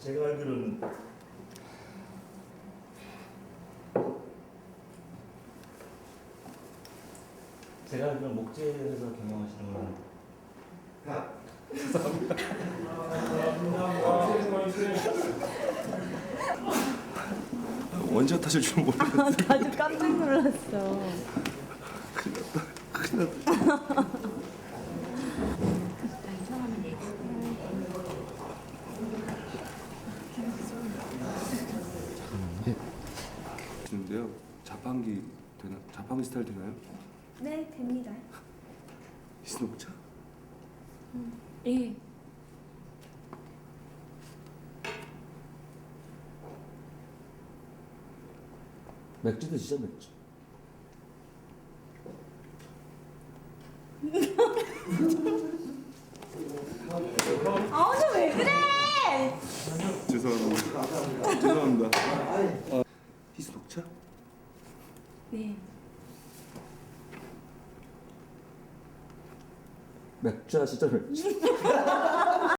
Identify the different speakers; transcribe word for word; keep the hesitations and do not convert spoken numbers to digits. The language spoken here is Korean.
Speaker 1: 제가 알기로는 제가 알기로는 목재에서 경영하시는 건
Speaker 2: 원샷 하실 줄 모르겠어요.
Speaker 3: 아, 나도 깜짝 놀랐어.
Speaker 2: 큰일 났다. 근데요, 자판기 되나? 자판기 스타일 되나요?
Speaker 3: 네, 됩니다.
Speaker 2: 히스녹차?
Speaker 3: 예.
Speaker 1: 맥주 드시죠, 맥주.
Speaker 3: 아, 오늘 왜 그래?
Speaker 2: 죄송합니다. 죄송합니다. 아, 히스녹차?
Speaker 3: 네.
Speaker 1: 맥주 하시죠, 맥주.